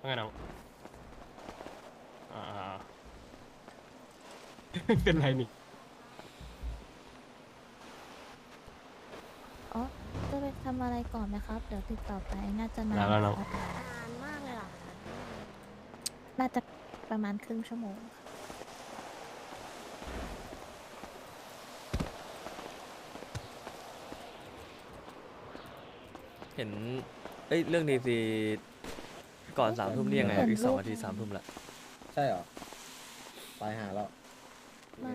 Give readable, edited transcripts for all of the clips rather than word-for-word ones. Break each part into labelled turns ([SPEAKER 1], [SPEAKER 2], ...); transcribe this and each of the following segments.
[SPEAKER 1] ว่าไงน้องอ่าเป็นไรนี่
[SPEAKER 2] อ๋อจะไปทำอะไรก่อนไหมครับ เดี๋ยวติดต่อไปน่าจะนา
[SPEAKER 1] แล้วแล้วน้อง
[SPEAKER 2] นนะครับ
[SPEAKER 3] นานมากเลยเหรอคะ
[SPEAKER 2] น่าจะประมาณครึ่งชั่วโมงค่ะ
[SPEAKER 4] เห็นเรื่องดีซีก่อน3 ทุ่มนี่ยังไง
[SPEAKER 2] เห็น
[SPEAKER 4] อีก
[SPEAKER 2] รูป
[SPEAKER 4] 2 นาที 3 ทุ่มละ
[SPEAKER 5] ใช่เหรอไปหาแล้ว
[SPEAKER 2] มา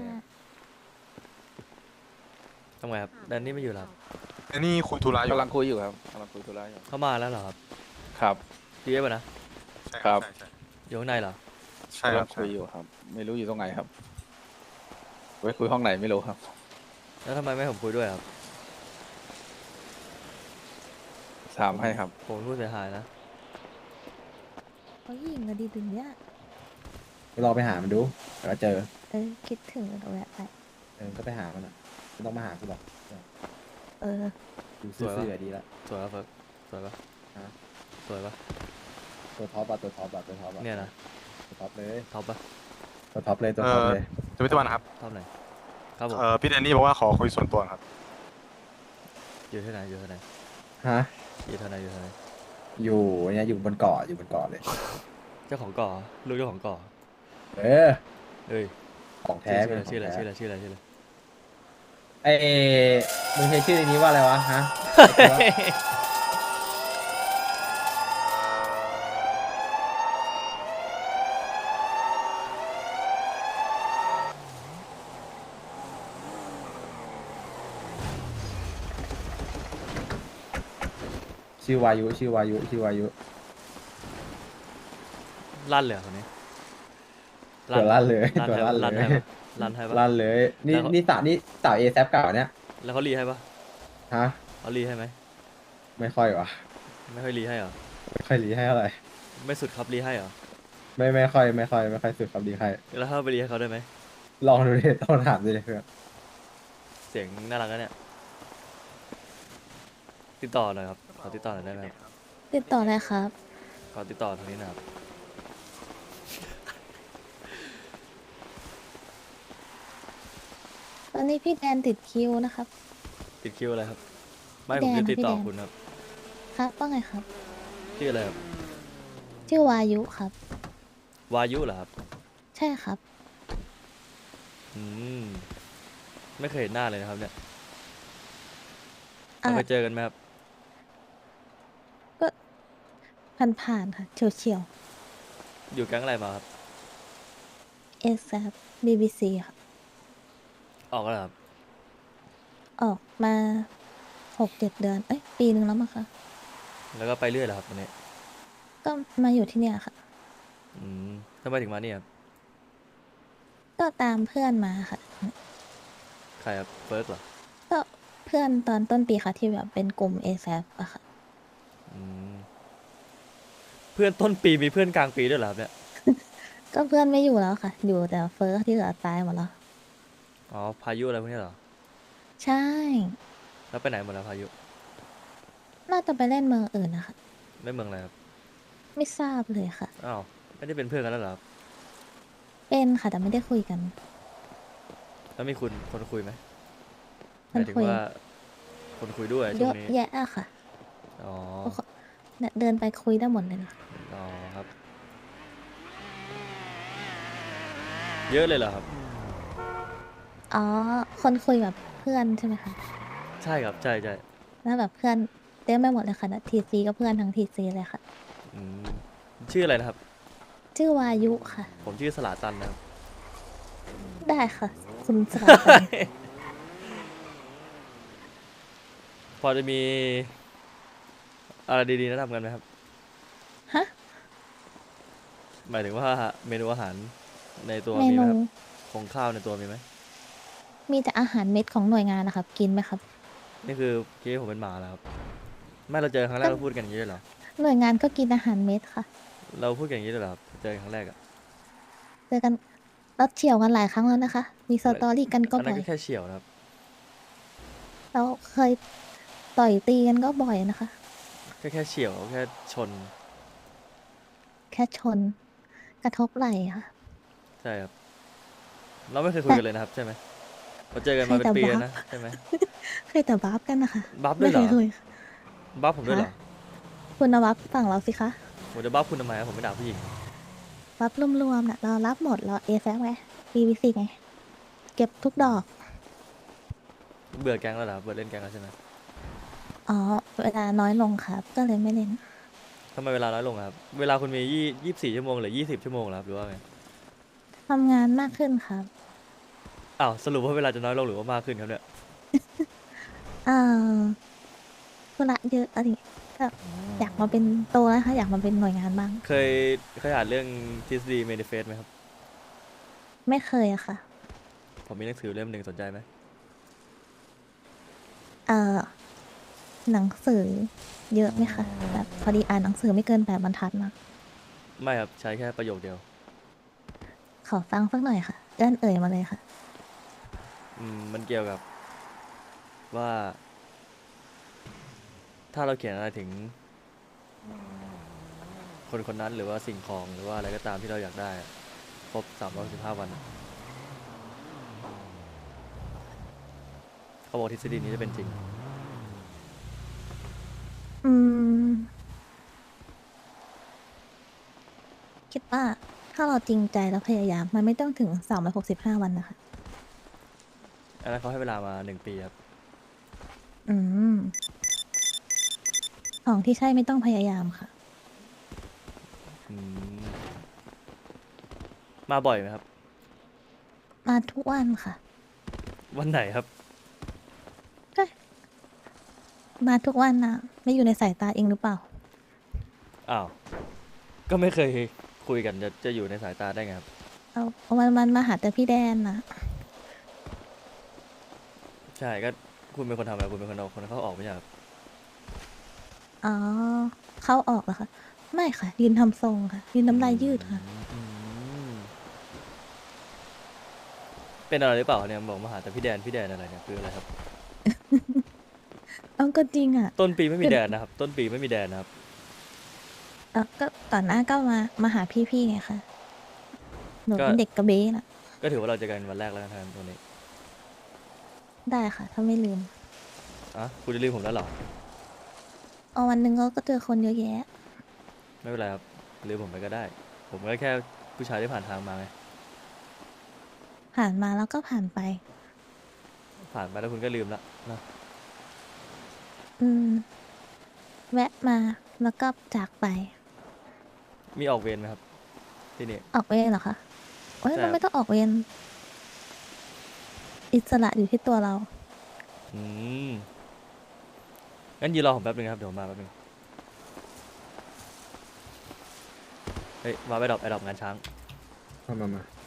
[SPEAKER 4] ทำไงครับแดนนี่ไม่อยู่แล้วครับ
[SPEAKER 6] อันนี้คุยธุระอยู่
[SPEAKER 7] กำลังคุยอยู่ครับกำลังคุยธุระอยู่
[SPEAKER 4] เข้ามาแล้วเหรอครับ
[SPEAKER 7] ครับ
[SPEAKER 4] ดีเอฟนะ
[SPEAKER 6] ใช่
[SPEAKER 7] ครับ
[SPEAKER 6] ใช่
[SPEAKER 4] อยู่ข้างในเหรอ
[SPEAKER 6] ใช่ค
[SPEAKER 7] กำ
[SPEAKER 6] รั
[SPEAKER 7] ลั
[SPEAKER 6] บ
[SPEAKER 7] งคุยอยู่ครับ ไม่รู้อยู่ตรงไหนครับไว้คุยห้องไหนไม่รู้ครับ
[SPEAKER 4] แล้วทำไมไม่ให้ผมคุยด้วยครับ
[SPEAKER 7] ถามให้ครับ
[SPEAKER 4] ผมเป็นผู้เสียหายนะ
[SPEAKER 2] เขายิงอะดีถึงเนี้ย
[SPEAKER 5] ไปลองไปหามันดูเดี๋ยวก็เจอ
[SPEAKER 2] คิดถึงเดี๋ยวแวะไป
[SPEAKER 5] ก็ไปหามันอ่ะไม่ต้องมาหากูหรอก
[SPEAKER 2] เออ
[SPEAKER 5] ดูซื่อๆดีละ
[SPEAKER 4] สวยปะเฟิร์กสวยปะ
[SPEAKER 5] ฮะ
[SPEAKER 4] สวยปะ
[SPEAKER 5] ตัวท็อปอะตัวท็อปอะตัวท็อปอะ
[SPEAKER 4] เนี่ยนะ
[SPEAKER 5] ตัวท็อปเลย
[SPEAKER 4] ท็อปปะ
[SPEAKER 5] ตัวท็อปเลยตัวท็อปเลย
[SPEAKER 6] จะไม่ตะวันนะครับ
[SPEAKER 4] ท็อปไหนครับผม
[SPEAKER 6] พี่แดนนี่บอกว่าขอคุยส่วนตัวครับ
[SPEAKER 4] อยู่ที่ไหนอยู่ที่ไหน
[SPEAKER 5] ฮะ
[SPEAKER 4] อยู่ที่ไหนอยู่ที่ไหน
[SPEAKER 5] อยู่เนี่ยอยู่บนเกาะอยู่บนเกาะเลย
[SPEAKER 4] เจ้าของก่อลูกเจ้าของก่อ
[SPEAKER 5] เออ
[SPEAKER 4] เอ้ย
[SPEAKER 5] ของแท้
[SPEAKER 4] ชื่ออะไร
[SPEAKER 5] เป็นข
[SPEAKER 4] ชื่
[SPEAKER 5] ง
[SPEAKER 4] ออะไร
[SPEAKER 5] แท้
[SPEAKER 4] ชื่ออะไรชื่ออะไรชื่ออะไร
[SPEAKER 5] ไอ้มึงใช้ชื่อนี้ว่าอะไรวะฮะ ชื่อวายุชื่อวายุชื่อวายุ
[SPEAKER 4] ลั่นเลยเหรอคนนี้
[SPEAKER 5] ตัวลั่นเลย
[SPEAKER 4] ลั่น
[SPEAKER 5] ตัว
[SPEAKER 4] ให้
[SPEAKER 5] ลั่
[SPEAKER 4] ปะ
[SPEAKER 5] นเลย
[SPEAKER 4] ลั่นให้ปะ
[SPEAKER 5] ลั่นเลย นี่
[SPEAKER 4] แล้ว
[SPEAKER 5] นี่สาวเอแซเก่าเนี่ย
[SPEAKER 4] แล้วเขารีให้ปะ
[SPEAKER 5] ฮะ
[SPEAKER 4] เขารีให้ไหม
[SPEAKER 5] ไม่ค่อยวะ
[SPEAKER 4] ไม่ค่อยรีให้เหรอ
[SPEAKER 5] ไม่ค่อยรีให้เท่าไหร่
[SPEAKER 4] ไม่สุดครับรีให้เหรอ
[SPEAKER 5] ไม่ค่อยสุดครับดีใคร
[SPEAKER 4] แล้วถ้าไปรีให้เขาได้ไหม
[SPEAKER 5] ลองดูดิต้องถามดูดิเพื่อน
[SPEAKER 4] เสียงน่ารักนะเนี่ย ติดต่อหน่อยครับ ขอติดต่อหน่อยได้ไหมครับ
[SPEAKER 2] ติดต่อเลยครับ
[SPEAKER 4] ขอติดต่อทางนี้นะครับ
[SPEAKER 2] ตอนนี้พี่แดนติดคิวนะครับ
[SPEAKER 4] ติดคิวอะไรครับ ไม่
[SPEAKER 2] พี่
[SPEAKER 4] ผม
[SPEAKER 2] แดน
[SPEAKER 4] จะติดต่อ
[SPEAKER 2] พี่แดน
[SPEAKER 4] คุณครับ
[SPEAKER 2] ครับว่าไงครับ
[SPEAKER 4] ชื่ออะไรครับ
[SPEAKER 2] ชื่อวายุครับ
[SPEAKER 4] วายุเหรอครับ
[SPEAKER 2] ใช่ครับ
[SPEAKER 4] อืม ไม่เคยเห็นหน้าเลยนะครับเนี่ย
[SPEAKER 2] อ่ะ
[SPEAKER 4] เราเคยเจอกันไหมครับ
[SPEAKER 2] ผ่านๆค่ะ เฉียว
[SPEAKER 4] อยู่แก๊งอะไรมาครับ
[SPEAKER 2] ๆเอซบีบีซีครับ
[SPEAKER 4] ออกแล้วเหรอครับ
[SPEAKER 2] ออกมา6-7 เดือน เอ้ย ปีหนึ่งแล้วมั้งคะ
[SPEAKER 4] แล้วก็ไปเรื่อยเหรอครับตอนนี้
[SPEAKER 2] ก็มาอยู่ที่เนี่ยค่ะ
[SPEAKER 4] อืมทำไมถึงมาเนี่ยครับ
[SPEAKER 2] ก็ตามเพื่อนมาค่ะ
[SPEAKER 4] ใครครับ เฟิร์กเหรอ
[SPEAKER 2] ก็เพื่อนตอนต้นปีค่ะที่แบบเป็นกลุ่ม a อ a p อะค่ะ
[SPEAKER 4] อืม เพื่อนต้นปีมีเพื่อนกลางปีด้วยเหรอครับเนี่ย
[SPEAKER 2] ก็เพื่อนไม่อยู่แล้วค่ะ อยู่แต่เฟิร์สที่เหลือตายหมดแล้ว
[SPEAKER 4] อ๋อ พายุอะไรพวกนี้เหรอ
[SPEAKER 2] ใช่
[SPEAKER 4] แล้วไปไหนหมดแล้วพายุ
[SPEAKER 2] น่าจะไปเล่นเมืองอื่นนะคะ
[SPEAKER 4] เล่นเมืองอะไรครับ ไม่
[SPEAKER 2] ไม่ทราบเลยค่ะ
[SPEAKER 4] อ้าว ไม่ได้เป็นเพื่อนกันแล้วเหรอครับ
[SPEAKER 2] เป็นค่ะแต่ไม่ได้คุยกัน
[SPEAKER 4] แล้วมีคนคุยไหมห
[SPEAKER 2] คน
[SPEAKER 4] มายถึง
[SPEAKER 2] คุย
[SPEAKER 4] ว่า คนคุยด้วย
[SPEAKER 2] เย
[SPEAKER 4] ช่ว
[SPEAKER 2] อะ
[SPEAKER 4] งนี้
[SPEAKER 2] แยะอะค่ะ
[SPEAKER 4] อ๋อ
[SPEAKER 2] เนี่ยเดินไปคุยได้หมดเลยนะ
[SPEAKER 4] อ๋อครับ เยอะเลยเหรอครับ
[SPEAKER 2] อ๋อ คนคุยแบบเพื่อนใช่ไหมคะ
[SPEAKER 4] ใช่ครับ ใช่ใช่
[SPEAKER 2] แล้วแบบเพื่อนเต็มไปหมดเลยค่ะทีซีก็เพื่อนทั้งทีซีเลยค่ะ
[SPEAKER 4] อืมชื่ออะไรนะครับ
[SPEAKER 2] ชื่อวายุค่ะ
[SPEAKER 4] ผมชื่อสลาตันนะครับ
[SPEAKER 2] ได้ค่ะ คุณสลับกัน
[SPEAKER 4] พอจะมีอะไรดีๆแนะนำกันไหมครับ
[SPEAKER 2] ฮะ
[SPEAKER 4] หมายถึงว่าเมนูอาหารในตัว
[SPEAKER 2] เม
[SPEAKER 4] มีไหม
[SPEAKER 2] นู
[SPEAKER 4] ครับของข้าวในตัวมีไหม
[SPEAKER 2] มีแต่อาหารเม็ดของหน่วยงานนะครับ กินไหมครับ
[SPEAKER 4] นี่คือคิดว่าผมเป็นหมาแล้วครับ ไม่เราเจอครั้งแรกเราพูดกันอย่างนี้เลยเหรอ
[SPEAKER 2] หน่วยงานก็กินอาหารเม็ดค่ะ
[SPEAKER 4] เราพูดกันอย่างนี้เลยเหรอครับเจอกันครั้งแรกอะ
[SPEAKER 2] เจอกันเราเฉี่ยวกันหลายครั้งแล้วนะคะ มีสตอรี่กันก็
[SPEAKER 4] อันนั้
[SPEAKER 2] บ่
[SPEAKER 4] น
[SPEAKER 2] อย
[SPEAKER 4] ก็แค่เฉียวนะครับ
[SPEAKER 2] เราเคยต่อยตีกันก็บ่อยนะคะ
[SPEAKER 4] แค่เฉียวแค่ชน
[SPEAKER 2] แค่ชน กระทบไหล่ค่ะ
[SPEAKER 4] ใช่ครับ เราไม่เคยคุยกันเลยนะครับใช่ไหมเราเจอกันมาเป็นปีแล้วนะใช่ไหม
[SPEAKER 2] เคยแต่บัฟกันนะคะ
[SPEAKER 4] บัฟด้วยเหรอ
[SPEAKER 2] ไม่เคยคุย
[SPEAKER 4] บัฟผมด้วยเหรอ
[SPEAKER 2] ฮะ คุณเอาบัฟฝั่งเราสิคะ
[SPEAKER 4] ผมจะบัฟคุณทำไมครับผมไม่ด่าผู้หญิง
[SPEAKER 2] บัฟรวมๆน่ะเรารับหมดเราเอแฟไง BBC ไง เก็บทุกดอก
[SPEAKER 4] เบื่อแก๊งแล้วเหรอครับเบื่อเล่นแก๊งแล้วใช่ไหม
[SPEAKER 2] อ๋อ เวลาน้อยลงครับ ก็เลยไม่เล่น
[SPEAKER 4] ทำไมเวลาน้อยลงอะครับเวลาคุณมี24 ชั่วโมงหรือ20 ชั่วโมงเหรอครับหรือว่าไง
[SPEAKER 2] ทำงานมากขึ้นครับ
[SPEAKER 4] อ้าวสรุปว่าเวลาจะน้อยลงหรือว่ามากขึ้นครับเนี่ย
[SPEAKER 2] อ่าธุระเยอะอะไรก็อยากมาเป็นโตแล้วค่ะ อยากมาเป็นหน่วยงานบ้าง
[SPEAKER 4] เคยอ่านเรื่องทฤษฎีเมนิเฟสไหมครับ
[SPEAKER 2] ไม่เคยอะค่ะ
[SPEAKER 4] ผมมีหนังสือเล่มหนึ่งสนใจไหม
[SPEAKER 2] เอ่อ หนังสือเยอะไหมคะ แบบพอดีอ่านหนังสือไม่เกิน8 บรรทัดนะ
[SPEAKER 4] ไม่ครับใช้แค่ประโยคเดียว
[SPEAKER 2] ขอฟังสักหน่อยค่ะ เอ่ยมาเลยค่ะ
[SPEAKER 4] มันเกี่ยวกับว่า ถ้าเราเขียนอะไรถึง คนคนนั้นหรือว่าสิ่งของหรือว่าอะไรก็ตามที่เราอยากได้อะครบ365 วันอะเขาบอกทฤษฎีนี้จะเป็นจริง
[SPEAKER 2] อืม คิดว่าถ้าเราจริงใจแล้วพยายาม มันไม่ต้องถึง365 วันนะคะ
[SPEAKER 4] อันนั้นเขาให้เวลามา1 ปีครับ
[SPEAKER 2] อืม ของที่ใช่ไม่ต้องพยายามค่ะ
[SPEAKER 4] อืมมาบ่อยไหมครับ
[SPEAKER 2] มาทุกวันค่ะ
[SPEAKER 4] วันไหนครับ
[SPEAKER 2] ก็มาทุกวันนะไม่อยู่ในสายตาเองหรือเปล่า
[SPEAKER 4] อ้าว ก็ไม่เคยคุยกันจะอยู่ในสายตาได้ไงครับ
[SPEAKER 2] เอาวันมาหาแต่พี่แดนนะ
[SPEAKER 4] ใช่ก็คุณเป็นคนทำอะไรคุณเป็นคนเอาคนเขาออกไม่ใช่ครับ
[SPEAKER 2] อ๋อ เข้าออกเหรอคะ ไม่ค่ะ ยืนทำทรงค่ะ ยืนน้ำลายยืดค่ะ
[SPEAKER 4] อืมเป็นอะไรหรือเปล่าเนี่ยบอกมาหาแต่พี่แดนอะไรเนี่ยคืออะไรครับ
[SPEAKER 2] เอาก็จริงอ่ะ
[SPEAKER 4] ต้นปีไม่มีแดนนะครับ ต้นปีไม่มีแดนนะครับ
[SPEAKER 2] ก็ก่อนหน้าก็มาหาพี่ๆไงคะหนู
[SPEAKER 4] ก็
[SPEAKER 2] เป็นเด็กกระเบ้น่ะ
[SPEAKER 4] ก็ถือว่าเราเจอกันวันแรกแล้วกันครับวันนี้
[SPEAKER 2] ได้ค่ะ ถ้าไม่ลืม
[SPEAKER 4] อ่ะคุณจะลืมผมแล้วเหรอ
[SPEAKER 2] เอาวันหนึ่งเราก็เจอคนเยอะแยะ
[SPEAKER 4] ไม่เป็นไรครับลืมผมไปก็ได้ ผมก็แค่ผู้ชายที่ผ่านทางมาไง
[SPEAKER 2] ผ่านมาแล้วก็ผ่านไป
[SPEAKER 4] ผ่านไปแล้วคุณก็ลืมละนะ
[SPEAKER 2] อืม แวะมาแล้วก็จากไป
[SPEAKER 4] มีออกเวรไหมครับ ที่นี่
[SPEAKER 2] ออกเวรเหรอคะโอ้ย
[SPEAKER 4] ใช่
[SPEAKER 2] เราไม่ต้องออกเวรอิสระอยู่ที่ตัวเรา
[SPEAKER 4] อืมงั้นยืนรอผมแป๊บนึงครับเดี๋ยวผมมาแป๊บนึงเฮ้ยมาไปดรอปงานช้าง
[SPEAKER 5] มา